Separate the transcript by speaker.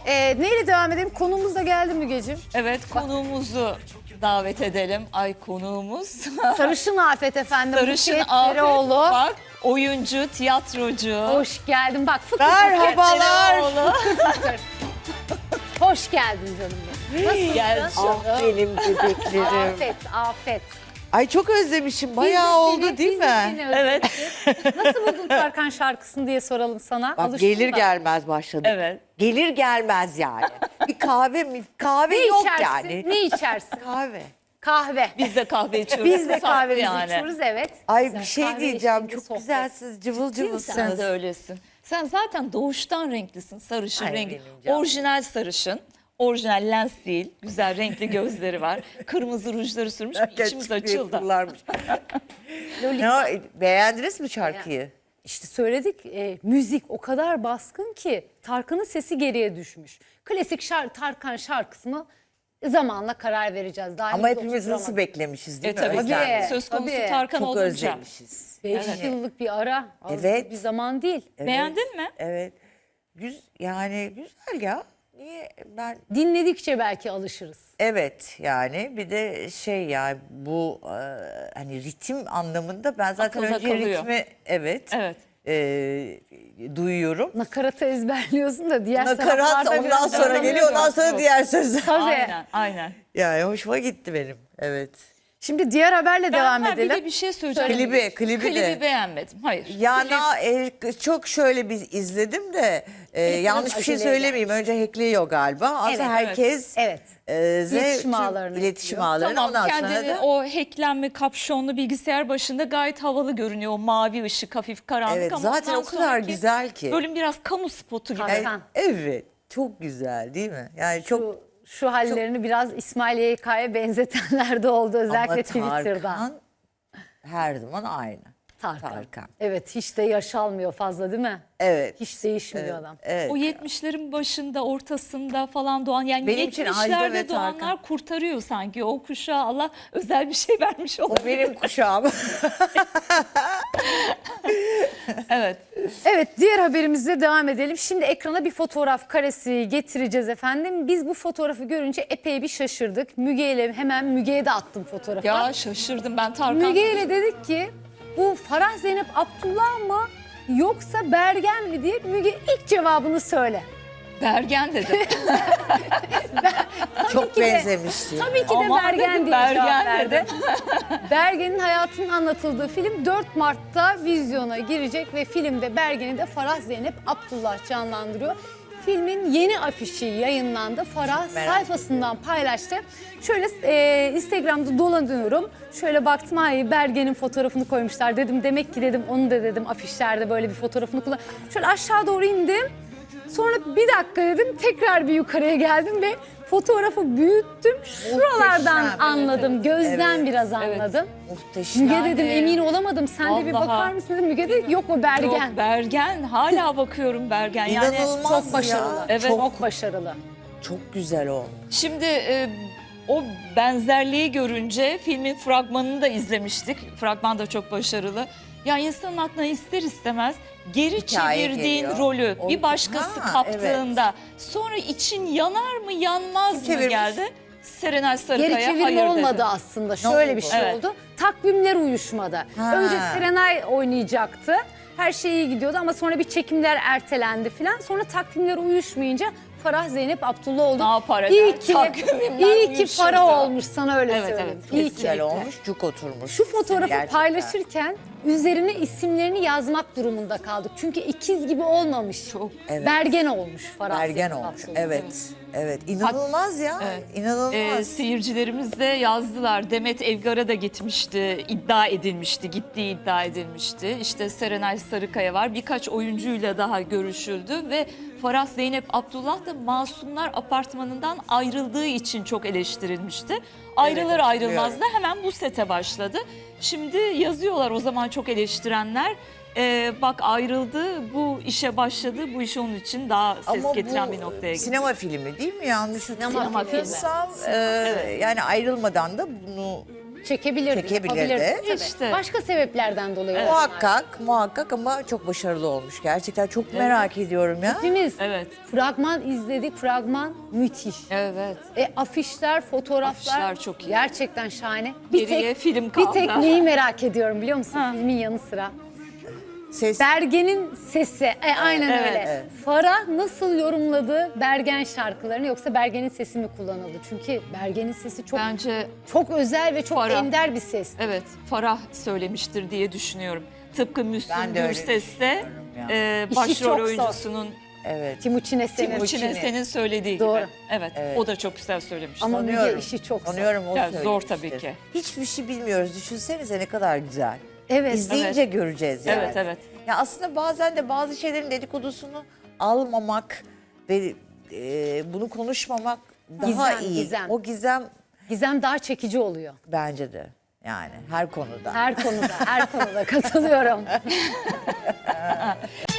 Speaker 1: Neyle devam edelim? Konuğumuz da geldi Mügeciğim.
Speaker 2: Evet, konuğumuzu davet edelim. Ay, konuğumuz.
Speaker 1: Sarışın Afet efendim.
Speaker 2: Sarışın
Speaker 1: Buket
Speaker 2: Afet.
Speaker 1: Dereoğlu.
Speaker 2: Bak, oyuncu, tiyatrocu.
Speaker 1: Hoş geldin. Bak fıkır
Speaker 2: Merhabalar.
Speaker 1: fıkır. Hoş geldin canım benim. Nasılsın?
Speaker 2: Gel.
Speaker 3: Ah benim bebeklerim.
Speaker 1: Afet, Afet.
Speaker 3: Ay çok özlemişim. Bayağı oldu değil mi?
Speaker 2: Evet.
Speaker 1: Nasıl buldun Tarkan şarkısını diye soralım sana.
Speaker 3: Bak
Speaker 1: Alıştın
Speaker 3: gelir
Speaker 1: mı?
Speaker 3: gelmez başladık.
Speaker 2: Evet.
Speaker 3: Gelir gelmez yani. Bir kahve
Speaker 1: Ne
Speaker 3: yok
Speaker 1: içersin?
Speaker 3: yani.
Speaker 1: Ne içersin?
Speaker 3: Kahve.
Speaker 1: Kahve.
Speaker 2: Biz de kahve içiyoruz.
Speaker 1: Biz de
Speaker 2: Saklı
Speaker 1: kahvemizi
Speaker 2: yani.
Speaker 1: içiyoruz evet.
Speaker 3: Ay
Speaker 1: Güzel,
Speaker 3: bir şey
Speaker 1: kahve
Speaker 3: diyeceğim.
Speaker 1: eşliğinde
Speaker 3: Çok
Speaker 1: sohbet.
Speaker 3: güzelsiniz. Cıvıl
Speaker 2: Sen
Speaker 3: cıvılsınız.
Speaker 2: de öylesin. Sen zaten doğuştan renklisin. Sarışın
Speaker 3: Ay,
Speaker 2: rengi.
Speaker 3: benim canım.
Speaker 2: Orijinal sarışın. Orijinal lens değil. Güzel renkli gözleri var. Kırmızı rujları sürmüş. İçimiz açıldı.
Speaker 3: Ne, beğendiniz mi şarkıyı?
Speaker 1: İşte söyledik müzik o kadar baskın ki Tarkan'ın sesi geriye düşmüş. Klasik Tarkan şarkısını zamanla karar vereceğiz. Daha
Speaker 3: Ama
Speaker 1: henüz
Speaker 3: hepimiz nasıl
Speaker 1: oturtturamadık.
Speaker 3: beklemişiz değil mi?
Speaker 2: Tabii ki.
Speaker 3: Özlemle.
Speaker 2: Söz konusu
Speaker 1: Tabii.
Speaker 2: Tarkan
Speaker 3: Çok
Speaker 2: olunca.
Speaker 3: özlemişiz.
Speaker 1: 5 yıllık bir ara. Az
Speaker 3: Evet.
Speaker 1: bir zaman değil.
Speaker 3: Evet,
Speaker 2: Beğendin mi?
Speaker 3: Evet. Yani güzel ya. Niye ben
Speaker 1: Dinledikçe belki alışırız.
Speaker 3: evet yani bir de şey ya bu hani ritim anlamında ben zaten
Speaker 2: Akılda
Speaker 3: önce
Speaker 2: kalıyor.
Speaker 3: ritmi evet,
Speaker 2: Evet.
Speaker 3: duyuyorum.
Speaker 1: Nakaratı ezberliyorsun da diğer
Speaker 3: Nakarat
Speaker 1: taraflarda
Speaker 3: ondan
Speaker 1: biraz
Speaker 3: sonra
Speaker 1: zorlanıyor.
Speaker 3: geliyor ondan sonra
Speaker 2: Yok.
Speaker 3: diğer sözler.
Speaker 1: Tabii.
Speaker 2: Aynen, aynen.
Speaker 3: Yani hoşuma gitti benim. Evet.
Speaker 1: Şimdi diğer haberle devam
Speaker 2: Ben
Speaker 1: edelim.
Speaker 2: bir de bir şey söyleyeceğim.
Speaker 3: Klibi de.
Speaker 2: beğenmedim. Hayır.
Speaker 3: Çok şöyle bir izledim de yanlış bir şey
Speaker 1: aceleye
Speaker 3: söylemeyeyim. Önce hackliyor galiba. Aslında
Speaker 1: Evet,
Speaker 3: herkes
Speaker 1: evet. İletişim ağlarını
Speaker 3: iletişim
Speaker 1: ekliyor.
Speaker 3: ağlarını
Speaker 2: Tamam,
Speaker 3: ondan sonra
Speaker 2: kendini
Speaker 3: da
Speaker 2: o hacklenme kapşonlu bilgisayar başında gayet havalı görünüyor. O mavi ışık, hafif karanlık
Speaker 3: evet
Speaker 2: ama
Speaker 3: zaten
Speaker 2: ondan
Speaker 3: o kadar
Speaker 2: sonraki
Speaker 3: güzel ki.
Speaker 2: bölüm biraz kamu spotu gibi.
Speaker 1: Tarkan.
Speaker 3: Evet. Çok güzel değil mi? Yani çok
Speaker 1: Şu hallerini biraz İsmail YK'ya benzetenler de oldu özellikle
Speaker 3: ama
Speaker 1: Twitter'da.
Speaker 3: Tarkan her zaman aynı. Tarkan.
Speaker 1: Evet hiç de yaş almıyor fazla değil mi?
Speaker 3: Evet.
Speaker 1: Hiç değişmiyor adam.
Speaker 3: Evet.
Speaker 2: O 70'lerin başında, ortasında falan doğan, yani
Speaker 3: Benim için Ajda ve
Speaker 2: 70'lerde
Speaker 3: Tarkan.
Speaker 2: doğanlar kurtarıyor sanki. O kuşağa Allah özel bir şey vermiş
Speaker 3: O
Speaker 2: olabilir.
Speaker 3: benim kuşağım.
Speaker 2: Evet.
Speaker 1: Evet diğer haberimize devam edelim. Şimdi ekrana bir fotoğraf karesi getireceğiz efendim. Biz bu fotoğrafı görünce epey bir şaşırdık. Müge ile hemen Müge'ye de attım fotoğrafı.
Speaker 2: Ya şaşırdım ben Tarkan.
Speaker 1: Müge ile dedik ki bu Farah Zeynep Abdullah mı yoksa Bergen mi diye Müge ilk cevabını söyle.
Speaker 2: Bergen dedim.
Speaker 3: Çok
Speaker 1: ki de-
Speaker 3: benzemişti.
Speaker 1: Tabii ki de
Speaker 2: Aman
Speaker 1: Bergen
Speaker 2: dedim,
Speaker 1: diye cevap
Speaker 2: Bergen
Speaker 1: verdi.
Speaker 2: dedim.
Speaker 1: Bergen'in hayatının anlatıldığı film 4 Mart'ta vizyona girecek ve filmde Bergen'i de Farah Zeynep Abdullah canlandırıyor. Filmin yeni afişi yayınlandı. Farah sayfasından paylaştı. Şöyle Instagram'da dolanıyorum. Şöyle baktım ay Bergen'in fotoğrafını koymuşlar dedim. Demek ki dedim onu da dedim afişlerde böyle bir fotoğrafını kullan. Şöyle aşağı doğru indim. Sonra bir dakika dedim tekrar bir yukarıya geldim ve fotoğrafı büyüttüm. Şuralardan
Speaker 3: Muhteşem.
Speaker 1: anladım. Gözden
Speaker 3: Evet,
Speaker 1: biraz anladım.
Speaker 3: Muhteşem.
Speaker 1: Müge dedim emin olamadım. Sen de bir
Speaker 2: Vallahi.
Speaker 1: bakar mısın dedim. Müge de yok o Bergen.
Speaker 2: Yok, Bergen. Hala bakıyorum Bergen. Yani
Speaker 3: İnanılmaz
Speaker 1: Çok başarılı.
Speaker 3: ya.
Speaker 2: Evet.
Speaker 1: Çok başarılı.
Speaker 3: Çok güzel olmuş.
Speaker 2: şimdi o benzerliği görünce filmin fragmanını da izlemiştik. Fragman da çok başarılı. Ya insanın aklına ister istemez geri
Speaker 3: Hikaye
Speaker 2: çevirdiğin
Speaker 3: geliyor.
Speaker 2: rolü
Speaker 3: O-
Speaker 2: bir başkası
Speaker 3: Ha,
Speaker 2: kaptığında sonra için yanar mı yanmaz mı
Speaker 3: Çevirmiş.
Speaker 2: geldi? Serenay Sarıkaya
Speaker 1: Geri çevirme
Speaker 2: hayır
Speaker 1: olmadı
Speaker 2: dedi.
Speaker 1: aslında. Şöyle
Speaker 3: oldu?
Speaker 1: bir şey
Speaker 2: Evet.
Speaker 1: oldu. Takvimler uyuşmadı.
Speaker 3: Ha.
Speaker 1: Önce Serenay oynayacaktı. Her şey iyi gidiyordu ama sonra bir çekimler ertelendi falan. Sonra takvimler uyuşmayınca Farah Zeynep Abdullah oldu.
Speaker 2: Ne yapar eder?
Speaker 1: İyi ki,
Speaker 2: Takvimler
Speaker 1: iyi ki
Speaker 2: uyuşursa.
Speaker 1: Farah olmuş sana öyle
Speaker 2: Evet,
Speaker 1: söyleyeyim.
Speaker 2: evet.
Speaker 1: İyi
Speaker 3: Çok güzel
Speaker 1: ki.
Speaker 3: olmuş. Cuk oturmuş.
Speaker 1: Şu fotoğrafı
Speaker 3: Gerçekten.
Speaker 1: paylaşırken üzerine isimlerini yazmak durumunda kaldık. Çünkü ikiz gibi olmamış.
Speaker 2: Çok.
Speaker 3: Evet.
Speaker 1: Bergen olmuş Farah
Speaker 3: Bergen
Speaker 1: Zeynep
Speaker 3: olmuş.
Speaker 1: Abdullah.
Speaker 3: Evet. Evet. İnanılmaz ya.
Speaker 2: Evet.
Speaker 3: İnanılmaz.
Speaker 2: Seyircilerimiz de yazdılar. Demet Evgar'a da gitmişti, iddia edilmişti, gittiği iddia edilmişti. İşte Serenay Sarıkaya var. Birkaç oyuncuyla daha görüşüldü ve Farah Zeynep Abdullah da Masumlar Apartmanı'ndan ayrıldığı için çok eleştirilmişti. Ayrılır ayrılmaz da hemen bu sete başladı. Şimdi yazıyorlar o zaman çok eleştirenler. Bak ayrıldı, bu işe başladı, bu iş onun için daha ses
Speaker 3: Ama
Speaker 2: getiren
Speaker 3: bu
Speaker 2: bir noktaya gitti.
Speaker 3: sinema filmi değil mi? Yanlış
Speaker 2: Sinema
Speaker 3: hatırlamıyorsam
Speaker 2: filmi.
Speaker 3: yani ayrılmadan da bunu
Speaker 1: çekebilirdi.
Speaker 3: Çekebilirdi.
Speaker 1: Yapabilirdi. Tabii.
Speaker 2: İşte.
Speaker 1: Başka sebeplerden dolayı.
Speaker 3: Muhakkak ama çok başarılı olmuş. Gerçekten çok merak ediyorum ya.
Speaker 1: Hepimiz
Speaker 2: Evet.
Speaker 1: fragman izledik. Fragman müthiş.
Speaker 2: Evet.
Speaker 1: Afişler, fotoğraflar
Speaker 2: Afişler çok iyi.
Speaker 1: gerçekten şahane.
Speaker 2: Geriye film
Speaker 1: Bir
Speaker 2: kaldı.
Speaker 1: tek neyi merak ediyorum biliyor musun? Filmin yanı sıra.
Speaker 3: Ses
Speaker 1: Bergen'in sesi. Aynen
Speaker 2: Evet,
Speaker 1: öyle.
Speaker 3: evet.
Speaker 1: Farah nasıl yorumladı Bergen şarkılarını yoksa Bergen'in sesi mi kullanıldı? Çünkü Bergen'in sesi çok
Speaker 2: Bence
Speaker 1: çok özel ve çok
Speaker 2: Farah.
Speaker 1: ender bir ses.
Speaker 2: evet Farah söylemiştir diye düşünüyorum. Tıpkı Müslüm
Speaker 3: Ben de öyle
Speaker 2: Gürses'te
Speaker 3: düşünüyorum ya.
Speaker 1: İşi
Speaker 2: başrol
Speaker 1: çok zor.
Speaker 2: oyuncusunun
Speaker 3: evet.
Speaker 1: Timuçin Esen'in.
Speaker 2: Timuçin Esen'in söylediği
Speaker 1: Doğru.
Speaker 2: gibi. Evet, o da çok güzel söylemişti.
Speaker 1: Ama
Speaker 3: Tanıyorum.
Speaker 1: Müge işi çok zor.
Speaker 3: Tanıyorum, o
Speaker 2: Yani zor
Speaker 3: söylemiştir.
Speaker 2: tabii ki.
Speaker 3: Hiçbir şey bilmiyoruz. Düşünsenize ne kadar güzel.
Speaker 1: Evet.
Speaker 3: İzleyince göreceğiz yani.
Speaker 2: Evet, evet.
Speaker 3: Ya aslında bazen de bazı şeylerin dedikodusunu almamak ve bunu konuşmamak daha
Speaker 1: Gizem,
Speaker 3: iyi.
Speaker 1: gizem.
Speaker 3: O gizem
Speaker 1: Gizem daha çekici oluyor.
Speaker 3: bence de yani her konuda.
Speaker 1: Her konuda, her konuda katılıyorum.